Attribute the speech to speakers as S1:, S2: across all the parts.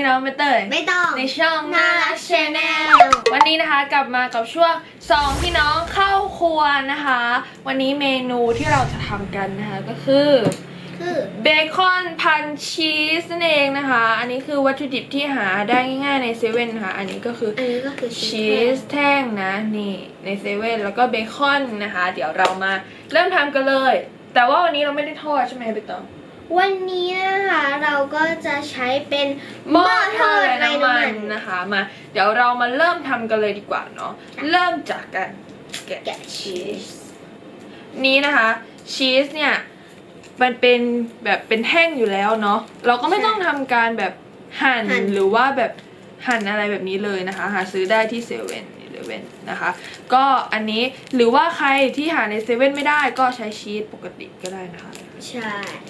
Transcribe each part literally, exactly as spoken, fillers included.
S1: น้องไม่เตย
S2: ไม่ต้อง
S1: ในช่องน่ารักชาแนลวันนี้นะคะกลับมากับช่วงสองพี่น้องเข้าครัวนะคะวันนี้เมนูที่เราจะทำกันนะคะก็คือ
S2: คือ
S1: เบคอนพันชีสนั่นเองนะคะอันนี้คือวัตถุดิบที่หาได้ง่ายๆในเซเว่นนะคะอันนี้ก็คืออั
S2: นนี้ก็คือ
S1: ชีสแท่งนะนี่ในเซเว่นแล้วก็เบคอนนะคะเดี๋ยวเรามาเริ่มทำกันเลยแต่ว่าวันนี้เราไม่ได้ทอดใช่ไหมใบตอง
S2: วันนี้นะคะเราก็จะใช้เป็น
S1: หม้อทอดน้ำมันนะคะมาเดี๋ยวเรามาเริ่มทำกันเลยดีกว่าเนาะเริ่มจากการแกะชีสนี้นะคะชีสเนี่ยมันเป็นแบบเป็นแท่งอยู่แล้วเนาะเราก็ไม่ต้องทำการแบบหั่นหรือว่าแบบหั่นอะไรแบบนี้เลยนะคะหาซื้อได้ที่เซเว่นอีเลฟเว่นนะคะก็อันนี้หรือว่าใครที่หาในเซเว่นไม่ได้ก็ใช้ชีสปกติก็ได้นะคะ
S2: ใช่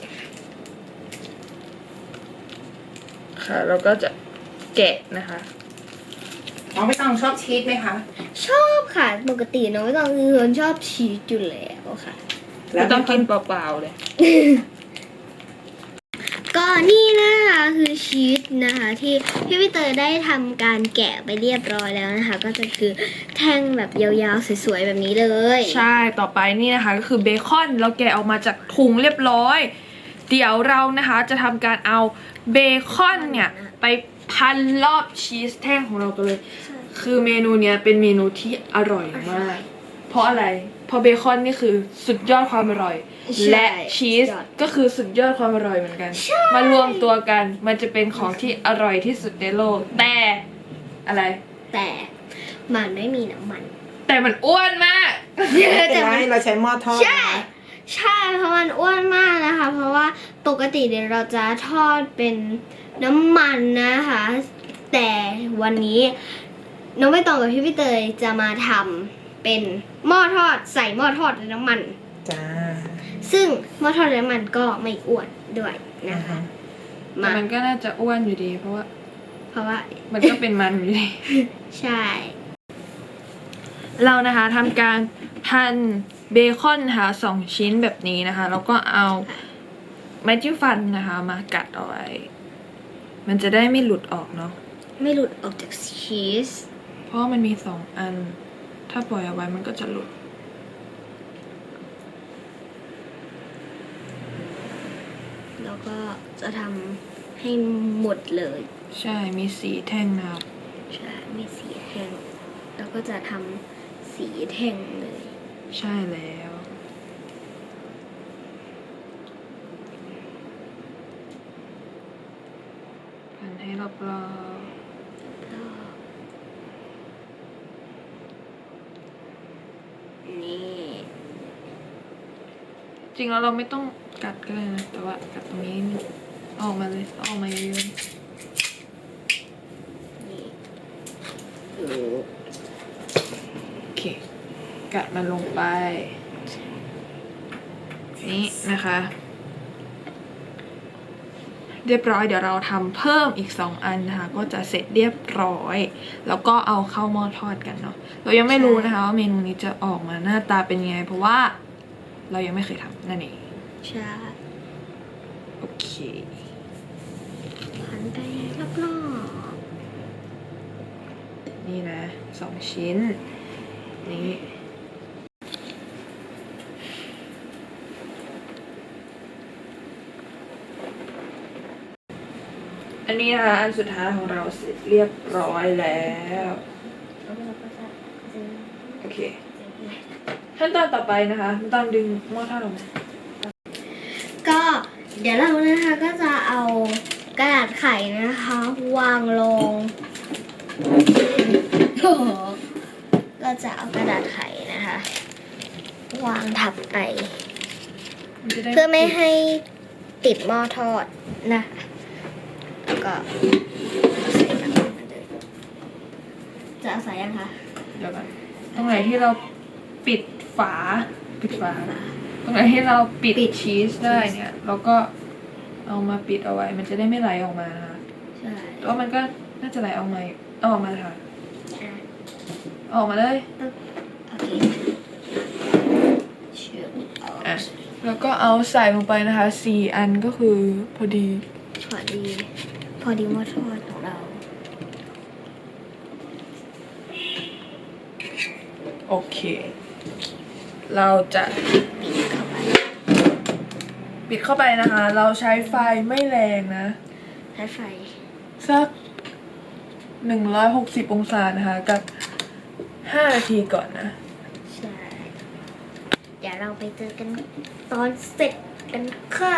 S1: ค่ะเราก็จะแกะนะคะน้องไม่ต้องชอบชีสไหมคะ
S2: ชอบค่ะปกติน้องไม่ต้องคือคนชอบชีสอยู่แล้วค่ะ
S1: แล้วต้องกินเปล่าๆเลย
S2: ก็นี่นะคะคือชีสนะคะที่พี่พี่เตยได้ทำการแกะไปเรียบร้อยแล้วนะคะก็จะคือแท่งแบบยาวๆสวยๆแบบนี้เลย
S1: ใช่ต่อไปนี่นะคะก็คือเบคอนเราแกะออกมาจากถุงเรียบร้อยเดี๋ยวเรานะคะจะทำการเอาเบคอนเนี่ยไปพันรอบชีสแท่งของเรากันเลยคือเมนูเนี้ยเป็นเมนูที่อร่อยมากเพราะอะไรเพราะเบคอนนี่คือสุดยอดความอร่อยและชีสก็คือสุดยอดความอร่อยเหมือนกันมารวมตัวกันมันจะเป็นของที่อร่อยที่สุดในโลกแต่อะไร
S2: แต่มันไม่มีน้ำมัน
S1: แต่มันอ้วนมาก
S3: แต่เราใช้หม้อทอด
S2: ใช่ใช่เพราะมันอ้วนมากนะคะเพราะว่าปกติเดี๋ยวเราจะทอดเป็นน้ำมันนะคะแต่วันนี้น้องใบตองกับพี่พี่เตยจะมาทำเป็นหม้อทอดใส่หม้อทอดในน้ำมัน
S3: จ้า
S2: ซึ่งหม้อทอดในน้ำมันก็ไม่อ้วนด้วยนะคะ
S1: แต่มันก็น่าจะอ้วนอยู่ดีเพราะว่า
S2: เพราะว่า
S1: มันก็เป็นมันอยู่ดี
S2: ใช่
S1: เรานะคะทำการพันเบคอนนะคะสองชิ้นแบบนี้นะคะแล้วก็เอาไม้จิ้มฟันนะคะมากัดเอาไว้มันจะได้ไม่หลุดออกเนาะ
S2: ไม่หลุดออกจากชีส
S1: เพราะมันมีสองอันถ้าปล่อยเอาไว้มันก็จะหลุด
S2: แล้วก็จะทำให้หมดเลย
S1: ใช่มีสีแท่งนะครับ
S2: ใช่มีสีแท่งแล้วก็จะทำสีแท่งเลย
S1: ใช่แล้วพันให้รอบๆ
S2: นี่
S1: จริงแล้วเราไม่ต้องกัดก็ได้นะแต่ว่ากัดตรงนี้ออกมาเลยออกมาเยอะๆโอเคกัดมันลงไปนี่นะคะเรียบร้อยเดี๋ยวเราทำเพิ่มอีกสองอันนะคะก็จะเสร็จเรียบร้อยแล้วก็เอาเข้าหม้อทอดกันเนาะเรายังไม่รู้นะคะว่าเมนูนี้จะออกมาหน้าตาเป็นยังไงเพราะว่าเรายังไม่เคยทำนั่นเอง
S2: ใช่
S1: โอเค
S2: พันไปรอบ
S1: ๆนี่นะสองชิ้นนี่อันนี้นะคะอันสุดท้ายของเราเสร็จเรียบร้อยแล้วโอเคขั้นตอนต่อไปนะคะขั้นตอนดึงหม้อทอดออกมา
S2: ก็เดี๋ยวเรานะคะก็จะเอากระดาษไข่นะคะวางลงก็จะเอากระดาษไข่นะคะวางทับไปเพื่อไม่ให้ติดหม้อทอดนะคะแล้วก็ใส่น้ำมันเลยจะเอาใส่ยังคะ
S1: เดี๋ยวก่อนตรงไหนที่เราปิดฝาปิดฝาตรงไหนที่เราปิดชีสได้เนี่ยเราก็เอามาปิดเอาไว้มันจะได้ไม่ไหลออกมานะคะ
S2: ใช่
S1: แล้วมันก็น่าจะไหลออกมาออกมาค่ะออกมาเลย
S2: โอเคเชื่อ
S1: อ่ะแล้วก็เอาใส่ลงไปนะคะสี่อันก็คือพอดี
S2: พอดีพอดีหม้อทอดของเรา
S1: โอเค เราจะ
S2: ปิดเข้าไป
S1: ปิดเข้าไปนะคะ เราใช้ไฟไม่แรงนะ
S2: ใช้ไฟ
S1: สักหนึ่งร้อยหกสิบองศานะคะ กับห้านาทีก่อนนะ
S2: ใช่ เดี๋ยวเราไปเจอกันตอนเสร็จกันค่ะ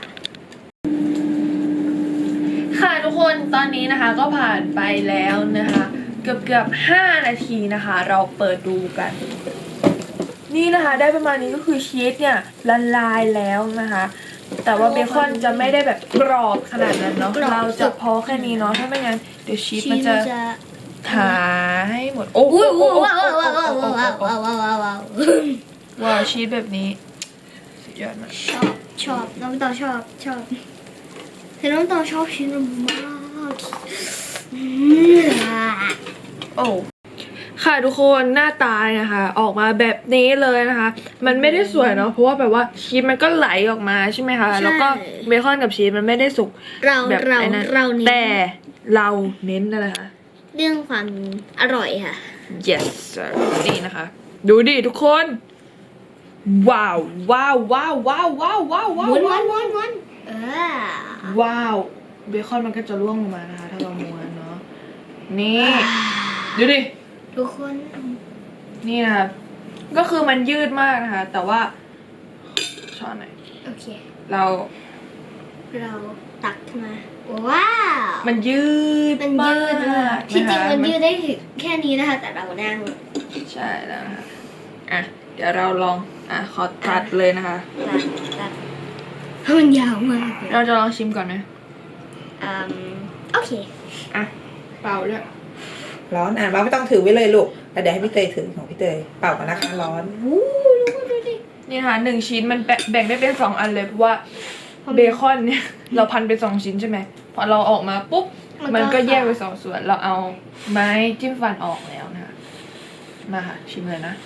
S1: ค่ะทุกคนตอนนี้นะคะก็ผ่านไปแล้วนะคะ เกือบเกือบห้านาทีนะคะ เราเปิดดูกัน นี่นะคะได้ประมาณนี้ก็คือชีสเนี่ยละลายแล้วนะคะ แต่ว่าเบคอนจะไม่ได้แบบกรอบขนาดนั้นเนาะ
S2: กรอบ
S1: เราจะพอแค่นี้เนาะถ้าไม่งั้นเดี๋ยวชีสมันจะหายให้หมดโอ้โห
S2: อุ้ยว้าวว้าวว้าวว้าวว้าวว้าวว้าวว้าว
S1: ว้าวชีสแบบนี้สุดยอดมาก
S2: ชอบชอบน้องตองชอบชอบแต่น้องตองชอบชิ้นมากอืม
S1: โอ้ค่ะทุกคนหน้าตานะคะ ออกมาแบบนี้เลยนะคะ มันไม่ได้สวยเนาะเพราะว่าแบบว่าชีสมันก็ไหลออกมาใช่ไหมคะแล้วก็เบคอนกับชีสมันไม่ได้สุก
S2: เรา
S1: แบบ
S2: เรา
S1: ไอ้นั้น
S2: เราเน้น
S1: แต่เราเน้นอะไรคะ
S2: เรื่องความอร่อยค่ะ
S1: yes sir นี่นะคะ ดูดิทุกคน ว้าวว้าวว้าวว้าวว้าวว้าวว้าว
S2: ม้วนม้ว
S1: ว้าน ว
S2: ม้วนม้วนเออ
S1: ว้าวเบคอนมันก็จะร่วงลงมานะคะ ถ้าเราม้วนเนาะนี่ดูดิ
S2: ทุกคน
S1: นี่นะคะก็คือมันยืดมากนะคะ แต่ว่าช้อนหน่อย
S2: โอเค
S1: เรา
S2: เราตักขึ้นมาว้าว
S1: มันยืด
S2: มันยืดมากที่จริง
S1: ะคะ
S2: มันยืดได้ถึงแค่นี้นะคะ แต่เรานั่ง
S1: ใช่แล้วนะคะอ่ะเดี๋ยวเราลองอ่ะขอตัดเลยนะคะ
S2: ตัดตัดมันยาวมากเลย
S1: เราจะลองชิมก่อนไหม
S2: อืมโอเค
S1: อ่ะเปล่าด้วย
S3: ร้อนอ่ะเราไม่ต้องถือไว้เลยลูกแต่เดี๋ยวให้พี่เตยถือของพี่เตยเป่ากันนะคะร้อน
S2: วู้ดูดูดิ
S1: นี่นะคะหนึ่งชิ้นมันแบ่งแบ่งได้เป็นสองอันเลยเพราะว่าเบคอนเนี่ย เราพันเป็นสองชิ้นใช่ไหมพอเราออกมาปุ๊บมันก็แยกเป็นสองส่วนเราเอาไม้จิ้มฟันออกแล้วนะคะมาค่ะชิมเลยนะ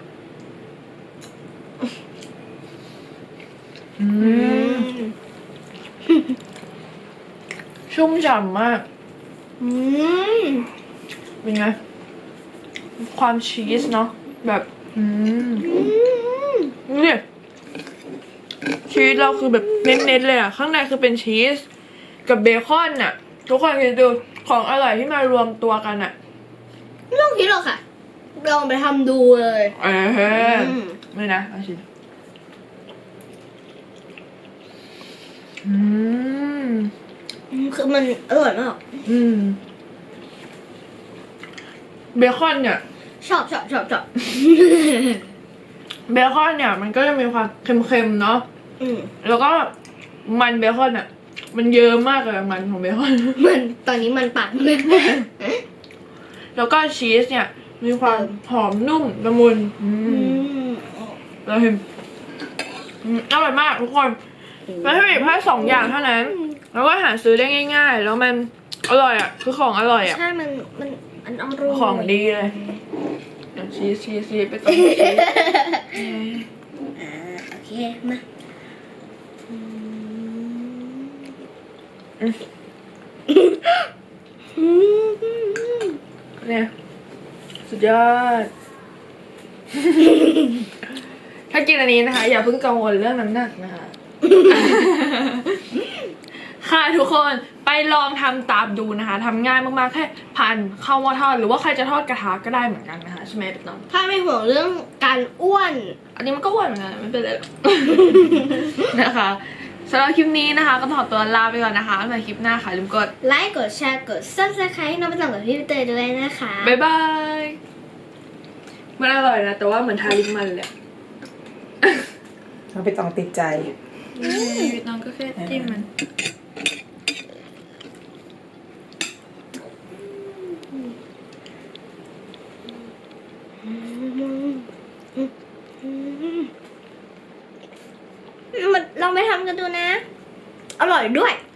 S1: อืมชุ่มฉ่ำมาก
S2: อืม
S1: เป็นไงความชีสเนาะแบบอืม
S2: อืม
S1: นี่ชีสเราคือแบบเน้นๆเลยอ่ะข้างในคือเป็นชีสกับเบคอนน่ะทุกคนคิดดูของอร่อยที่มารวมตัวกันอ่ะ
S2: ไม่ต้องคิดหรอกค่ะลองไปทำดูเลย
S1: เออ
S2: อืม
S1: ไม่นะเอาชิมอืม
S2: คือมันอร่อยมาก
S1: อืมเบคอนเนี่ย
S2: ชอบชอบชอบชอบ
S1: เบคอนเนี่ยมันก็จะมีความเค็มๆเนาะ
S2: อืม
S1: แล้วก็มันเบคอนอ่ะ มันเยอะมากเลยมันของเบคอน
S2: มันตอนนี้มันปากเลย
S1: แล้วก็ชีสเนี่ย มีความหอมนุ่มละมุนอื
S2: อื
S1: ม
S2: ม
S1: เราเห็นอืมอร่อยมากทุกคนมันให้แค่สองอย่างเท่านั้น แล้วก็หาซื้อได้ง่าย ๆ แล้วมันอร่อยอ่ะ คือของอร่อยอ่ะ
S2: ใช่ มัน มัน มันอร่อย
S1: ของดีเลยเดี๋ยวชีสชีสชีสไปต่อชีส
S2: อ่าโอเค มาอืม
S1: เนี่ยสุดยอด ถ้ากินอันนี้นะคะ อย่าเพิ่งกังวลเรื่องน้ำหนักนะคะ ค่ะทุกคนไปลองทำตามดูนะคะทำง่ายมากๆแค่พันเข้าหม้อทอดหรือว่าใครจะทอดกระทะก็ได้เหมือนกันนะคะใช่ไหมเป็นน้อง
S2: ถ้าไม่ห่วงเรื่องการอ้วน
S1: อันนี้มันก็อ้วนเหมือนกันไม่เป็นไรหรอก นะคะสำหรับคลิปนี้นะคะ ก็ขอตัวลาไปก่อนนะคะไว้คลิปหน้าค่ะลืมกด
S2: ไลค์ กดแชร์ กด ซับสไครต์น้องไปต่างกับพี่เตยด้วยนะคะ
S1: บ๊ายบายมันอร่อยนะแต่ว่าเหมือนทาลิปมันเลย
S3: เราไปต้องติดใจ
S1: น้องก็แค่จิ้มมัน
S2: มันลองไปทำกันดูนะ อร่อยด้วย